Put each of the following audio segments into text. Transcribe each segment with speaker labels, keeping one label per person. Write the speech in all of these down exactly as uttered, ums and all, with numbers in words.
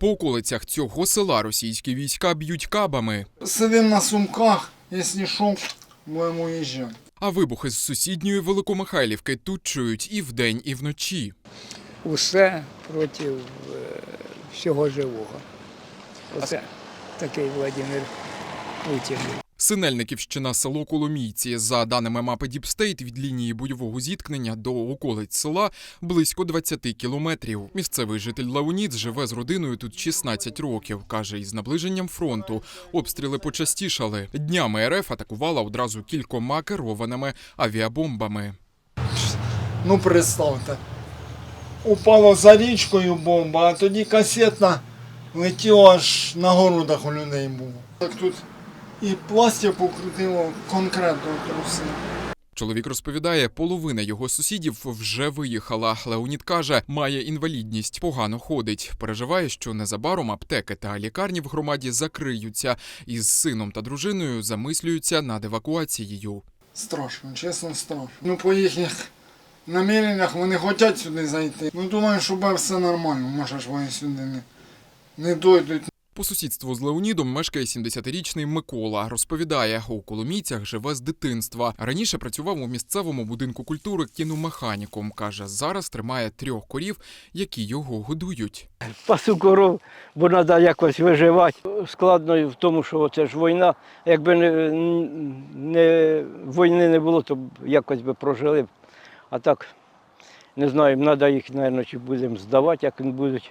Speaker 1: По околицях цього села російські війська б'ють кабами.
Speaker 2: Сидимо на сумках, якщо що, будемо їжджати.
Speaker 1: А вибухи з сусідньої Великомихайлівки тут чують і вдень, і вночі.
Speaker 3: Усе проти е, всього живого. Оце такий Владимир Путін.
Speaker 1: Синельниківщина, село Коломійці. За даними мапи Діпстейт, від лінії бойового зіткнення до околиць села близько двадцять кілометрів. Місцевий житель Леонід живе з родиною тут шістнадцять років. Каже, із наближенням фронту обстріли почастішали. Днями РФ атакувала одразу кількома керованими авіабомбами.
Speaker 2: Ну, представте, упало за річкою бомба, а тоді касетна летіла, аж на городах у людей було. Так тут і пластик покрутило конкретно труси.
Speaker 1: Чоловік розповідає, половина його сусідів вже виїхала. Леонід каже, має інвалідність, погано ходить. Переживає, що незабаром аптеки та лікарні в громаді закриються. Із сином та дружиною замислюються над евакуацією.
Speaker 2: Страшно, чесно, страшно. Ну, по їхніх наміреннях вони хочуть сюди зайти. Ну, думаю, що буде все нормально, може ж вони сюди не, не дойдуть.
Speaker 1: По сусідству з Леонідом мешкає сімдесятирічний Микола. Розповідає, у Коломійцях живе з дитинства. Раніше працював у місцевому будинку культури кіномеханіком. Каже, зараз тримає трьох корів, які його годують.
Speaker 4: Пасу коров, бо треба якось виживати. Складно в тому, що це ж війна. Якби не, не, війни не було, то якось би прожили б. А так, не знаю, треба їх, мабуть, чи будемо здавати, як вони будуть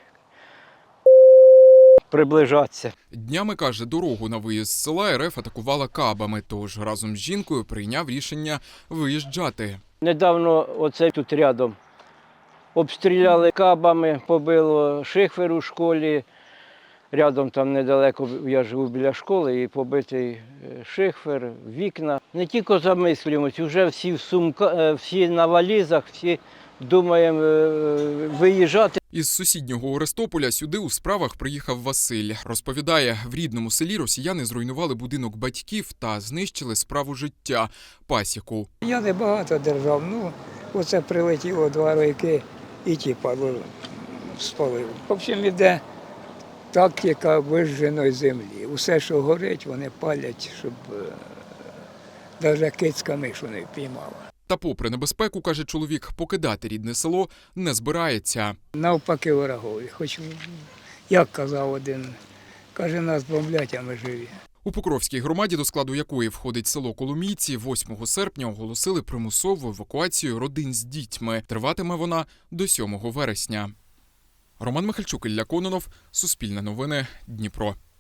Speaker 4: приближатися.
Speaker 1: Днями, каже, дорогу на виїзд з села РФ атакувала кабами, тож разом з жінкою прийняв рішення виїжджати.
Speaker 4: Недавно оце тут рядом обстріляли кабами, побило шифер у школі. Рядом там недалеко, я живу біля школи, і побитий шифер, вікна. Не тільки замислюємось, вже всі в сумка, всі на валізах, всі думаємо виїжджати.
Speaker 1: Із сусіднього Орестополя сюди у справах приїхав Василь. Розповідає, в рідному селі росіяни зруйнували будинок батьків та знищили справу життя – пасіку.
Speaker 3: Я не багато держав, ну оце прилетіло два роки і ті падло спалив. В общем, іде тактика вижженої землі. Усе, що горить, вони палять, щоб навіть кицька мишу не впіймала.
Speaker 1: Та попри небезпеку, каже чоловік, покидати рідне село не збирається.
Speaker 3: Навпаки ворогові. Хоч, як казав один, каже, нас бомблять, а ми живі.
Speaker 1: У Покровській громаді, до складу якої входить село Коломійці, восьмого серпня оголосили примусову евакуацію родин з дітьми. Триватиме вона до сьомого вересня. Роман Михальчук, Ілля Кононов, Суспільне новини, Дніпро.